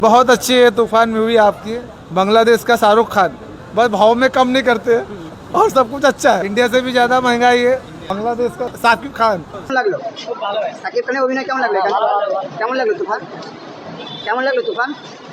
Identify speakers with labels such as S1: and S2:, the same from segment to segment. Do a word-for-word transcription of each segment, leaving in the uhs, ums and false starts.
S1: बहुत अच्छी है तूफान मूवी आपकी। बांग्लादेश का शाहरुख खान, बस भाव में कम नहीं करते और सब कुछ अच्छा है। इंडिया से भी ज्यादा महंगाई है। बांग्लादेश का साकिब खान।
S2: কেমন লাগলো? সাকিব খানের অভিনয় কেমন লাগলো এখানে? কেমন লাগলো তুফান? কেমন লাগলো তুফান?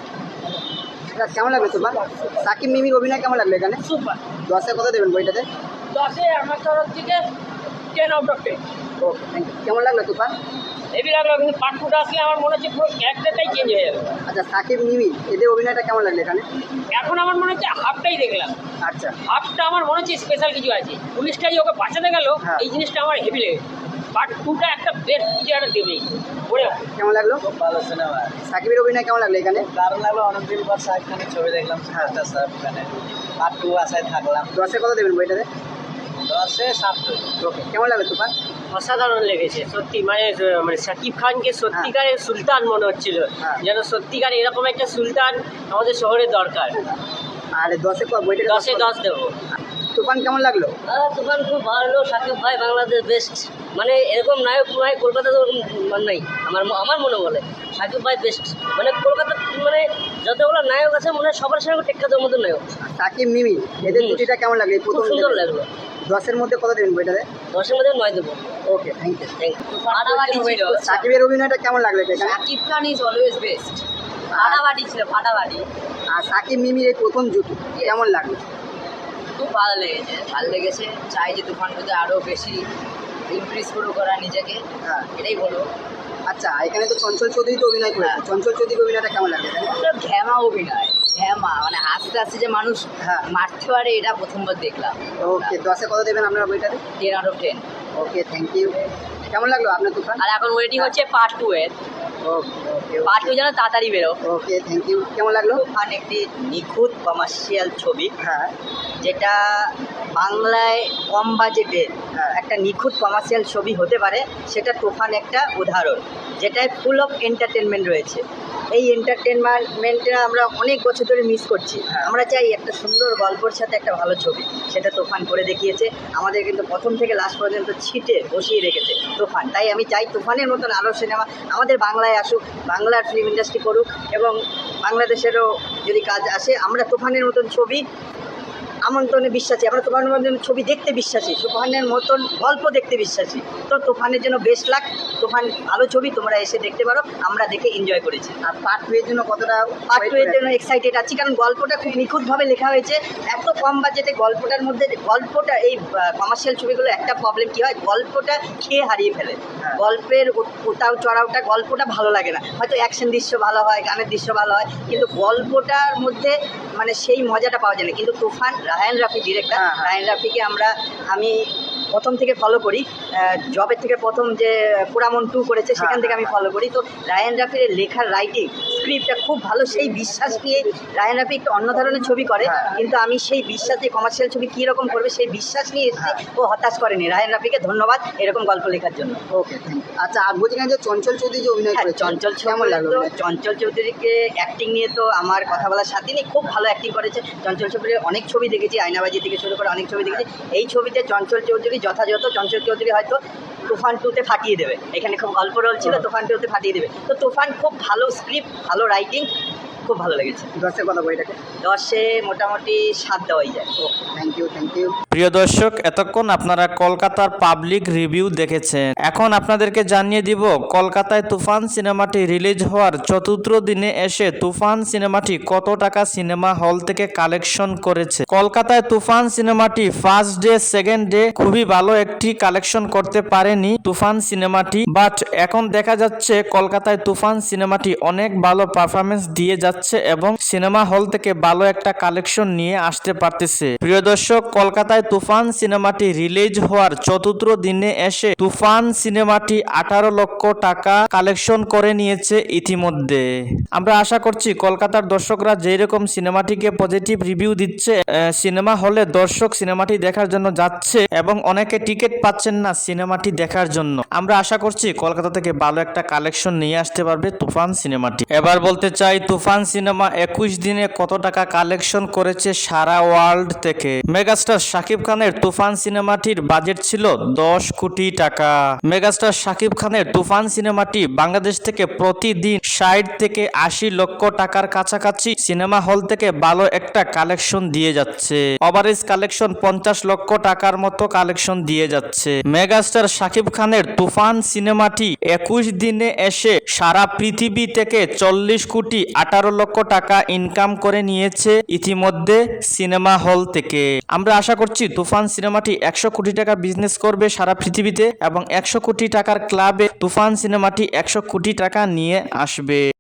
S2: এটা কেমন লাগলো তুফান? সাকিব মিমির অভিনয় কেমন লাগলো এখানে?
S3: সুপার
S2: দশে কত দেবেন বইটাতে?
S3: দশে আমার তরফ থেকে ten out of ten.
S2: Okay, thank you. কেমন লাগলো তুফান?
S3: হেভি লাগলো, কিন্তু পার্ট টুটা আসলে আমার মনে হচ্ছে পুরো ক্যারেক্টারটাই চেঞ্জ হয়ে যাবে।
S2: আচ্ছা, সাকিব মিমি এদের অভিনয়টা কেমন লাগলো এখানে?
S3: এখন আমার মনে হচ্ছে হাফটাই দেখলাম,
S2: আচ্ছা,
S3: হাফটা আমার মনে হচ্ছে স্পেশাল কিছু আছে। পুলিশটা যে ওকে বাঁচাতে গেল,
S2: হ্যাঁ।
S3: এই জিনিসটা আমার হেভি লেগেছে। পার্ট টুটা একটা বেস্ট কিছু একটা দেবেই ওরে।
S2: কেমন লাগলো?
S4: খুব ভালো সিনেমা।
S2: সাকিবের অভিনয় কেমন লাগলো এখানে?
S4: দারুণ লাগলো, অনেকদিন পর শাহরুখ খানের ছবি দেখলাম। সুপারস্টার শাহরুখ খানের পার্ট টু আশায় থাকলাম।
S2: দশে কত দেবেন বইটাতে?
S4: দশে সাত।
S2: ওকে, কেমন লাগলো তুফান?
S3: অসাধারণ লেগেছে সত্যি, মানে মানে শাকিব খানকে সত্যিকারের সুলতান মনে হচ্ছিল,
S2: হ্যাঁ।
S3: যেন সত্যিকার এরকম একটা সুলতান আমাদের শহরে দরকার।
S2: আর দশে ক- বইটাতে
S3: দশে দশ দেবো।
S2: তুফান কেমন লাগলো?
S3: তুফান খুব ভালো, শাকিব ভাই বাংলাদেশ বেস্ট। মানে এরকম নায়ক ভাই কলকাতা তো ওরকম নেই, আমার আমার মনে বলে শাকিব ভাই বেস্ট। মানে কলকাতা মানে যতগুলো নায়ক আছে মনে হয় সবার সঙ্গে টেক্কা দেওয়ার মতো নায়ক।
S2: সাকিব মিমি এদের
S3: হুম।
S2: জুটিটা কেমন লাগলো? এই
S3: খুব
S2: প্রথম
S3: সুন্দর
S2: দেখে।
S3: লাগলো।
S2: দশের মধ্যে কত দেবেন বইটাতে?
S3: দশের মধ্যে নয় দেবো।
S2: Okay, thank you.
S3: Thank you. ফাটাফাটি ছিল,
S2: সাকিবের অভিনয়টা কেমন লাগলো এখানে?
S3: Shakib Khan is always best. ফাটাফাটি ছিল, ফাটাফাটি।
S2: আর সাকিব মিমির এই প্রথম জুটি কেমন লাগলো?
S5: খুব ভালো লেগেছে, ভালো লেগেছে। চাই যে তুফান মধ্যে আরও বেশি ইমপ্রেস করুক করা নিজেকে,
S2: হ্যাঁ,
S5: এটাই বলবো।
S2: আচ্ছা, এখানে তো চঞ্চল চৌধুরী তো অভিনয় করেছে। চঞ্চল চৌধুরীর অভিনয়টা কেমন লাগলো এখানে?
S5: পুরো ঘ্যামা অভিনয়, ঘ্যামা মানে হাসতে হাসতে যে মানুষ
S2: হ্যাঁ।
S5: মারতে পারে, এটা প্রথমবার দেখলাম।
S2: ওকে, দশে কত দেবেন আপনারা বইটাতে?
S5: Ten out of ten.
S2: Okay, thank you. কেমন লাগলো আপনার তুফান?
S5: আর এখন ওয়েটিং হচ্ছে পার্ট টু এর।
S2: ওকে ওকে
S5: পার্ট টু যেন তাড়াতাড়ি বেরো।
S2: Okay, thank you. কেমন লাগলো?
S5: তুফান একটি নিখুঁত কমার্শিয়াল ছবি,
S2: হ্যাঁ,
S5: যেটা বাংলায় কম বাজেটে
S2: হ্যাঁ।
S5: একটা নিখুঁত কমার্শিয়াল ছবি হতে পারে, সেটা তুফান একটা উদাহরণ, যেটায় ফুল অফ এন্টারটেনমেন্ট রয়েছে। এই এন্টারটেনমেন্টটা আমরা অনেক বছর ধরে মিস করছি।
S2: হ্যাঁ।
S5: আমরা চাই একটা সুন্দর গল্পের সাথে একটা ভালো ছবি, সেটা তুফান করে দেখিয়েছে। আমাদের কিন্তু প্রথম থেকে লাস্ট পর্যন্ত ছিটে বসিয়ে রেখেছে তুফান। তাই আমি চাই তুফানের মতন আরও সিনেমা আমাদের বাংলায় আসুক, বাংলার ফিল্ম ইন্ডাস্ট্রি করুক, এবং বাংলাদেশেরও যদি কাজ আসে, আমরা তুফানের মতন ছবি আমন্ত্রণে বিশ্বাসী, আমরা তুফানের মতন ছবি দেখতে বিশ্বাসী, তুফানের মতন গল্প দেখতে বিশ্বাসী। তো তুফানের জন্য বেস্ট লাক। তুফান ভালো ছবি, তোমরা এসে দেখতে পারো, আমরা দেখে এনজয় করেছি।
S2: আর পার্ট টু এর জন্য কতটা
S5: পার্ট টু এর জন্য এক্সাইটেড আছি, কারণ গল্পটা খুব নিখুঁতভাবে লেখা হয়েছে। এত কম বাজেটে গল্পটার মধ্যে, গল্পটা এই কমার্শিয়াল ছবিগুলো একটা প্রবলেম কী হয়, গল্পটা খেয়ে হারিয়ে ফেলে।
S2: হ্যাঁ।
S5: গল্পের উ- উতাও চড়াওটা, গল্পটা ভালো লাগে না। হয়তো অ্যাকশন দৃশ্য ভালো হয়, গানের দৃশ্য ভালো হয়, কিন্তু গল্পটার মধ্যে মানে সেই মজাটা পাওয়া যায় না। কিন্তু তুফান, রায়ান রাফি ডিরেক্টর,
S2: হ্যাঁ, হ্যাঁ।
S5: রায়ান রাফিকে আমরা আমি প্রথম থেকে ফলো করি। জবের থেকে প্রথম যে পুরামন টু করেছে, সেখান
S2: হ্যাঁ,
S5: থেকে আমি ফলো করি। তো রায়ান রাফির লেখার রাইটিং, স্ক্রিপ্টটা খুব ভালো। সেই বিশ্বাস নিয়ে রায়ান রাফি একটু অন্য ধরনের ছবি করে,
S2: হ্যাঁ।
S5: কিন্তু আমি সেই বিশ্বাসে কমার্শিয়াল ছবি কীরকম করবে সেই বিশ্বাস নিয়ে এসেছি। ও হতাশ করেনি। রায়ান রাফিকে ধন্যবাদ এরকম গল্প লেখার জন্য।
S2: Okay, thank you. আচ্ছা, আর বলছিলাম যে চঞ্চল চৌধুরী যে অভিনয়
S5: হ্যাঁ,
S2: করেছে,
S5: চঞ্চল
S2: কেমন লাগলো?
S5: তো চঞ্চল চৌধুরীকে অ্যাক্টিং নিয়ে তো আমার কথা বলার সাথে নেই, খুব ভালো অ্যাক্টিং করেছে। চঞ্চল চৌধুরীর অনেক ছবি দেখেছি, আয়নাবাজি থেকে শুরু করে অনেক ছবি দেখেছি। এই ছবিতে চঞ্চল চৌধুরী যথাযথ, চঞ্চল চৌধুরী হয়তো তুফান টুতে ফাটিয়ে দেবে। এখানে খুব অল্প রোল ছিল, তুফান টুতে ফাটিয়ে দেবে। তো তুফান খুব ভালো স্ক্রিপ্ট, ভালো রাইটিং, খুব ভালো লেগেছে।
S2: দশে কত বইটাকে?
S5: দশে মোটামুটি সাত দেওয়াই যায়।
S2: Okay, thank you, thank you.
S6: প্রিয় দর্শক, এতক্ষণ আপনারা কলকাতার পাবলিক রিভিউ দেখেছেন। এখন আপনাদেরকে জানিয়ে দিব কলকাতায় তুফান সিনেমাটি রিলিজ হওয়ার চতুর্থ দিনে এসে তুফান সিনেমাটি কত টাকা সিনেমা হল থেকে কালেকশন করেছে। কলকাতায় তুফান সিনেমাটি ফার্স্ট ডে সেকেন্ড ডে খুবই ভালো একটি কালেকশন করতে পারেনি তুফান সিনেমাটি, বাট এখন দেখা যাচ্ছে কলকাতায় তুফান সিনেমাটি অনেক ভালো পারফরমেন্স দিয়ে যাচ্ছে এবং সিনেমা হল থেকে ভালো একটা কালেকশন নিয়ে আসতে পারতেছে। প্রিয় দর্শক, কলকাতায় তুফান সিনেমাটি রিলিজ হওয়ার চতুর্থ দিনে এসে তুফান সিনেমাটি আঠারো লক্ষ টাকা কালেকশন করে নিয়েছে ইতিমধ্যে। আমরা আশা করছি কলকাতার দর্শকরা যেই রকম সিনেমাটিকে পজিটিভ রিভিউ দিচ্ছে, সিনেমা হলে দর্শক সিনেমাটি দেখার জন্য যাচ্ছে এবং অনেকে টিকিট পাচ্ছেন না সিনেমাটি দেখার জন্য। আমরা আশা করছি কলকাতা থেকে ভালো একটা কালেকশন নিয়ে আসতে পারবে তুফান সিনেমাটি। এবার বলতে চাই তুফান সিনেমা একুশ দিনে কত টাকা কালেকশন করেছে সারা ওয়ার্ল্ড থেকে। মেগাস্টার শাকিব শাকিব খানের তুফান সিনেমাটির বাজেট ছিল দশ কোটি টাকা। মেগাস্টার শাকিব খানের তুফান সিনেমাটি বাংলাদেশ থেকে প্রতিদিন ষাট থেকে আশি লক্ষ টাকার কাছাকাছি সিনেমা হল থেকে ভালো একটা কালেকশন দিয়ে যাচ্ছে। ওভারেজ কালেকশন পঞ্চাশ লক্ষ টাকার মতো কালেকশন দিয়ে যাচ্ছে। মেগাস্টার শাকিব খানের তুফান সিনেমাটি একুশ দিনে এসে সারা পৃথিবী থেকে চল্লিশ কোটি আঠারো লক্ষ টাকা ইনকাম করে নিয়েছে ইতিমধ্যে সিনেমা হল থেকে। আমরা আশা করছি তুফান সিনেমাটি একশো কোটি টাকা বিজনেস করবে সারা পৃথিবীতে এবং একশো কোটি টাকার ক্লাবে তুফান সিনেমাটি একশো কোটি টাকা নিয়ে আসবে।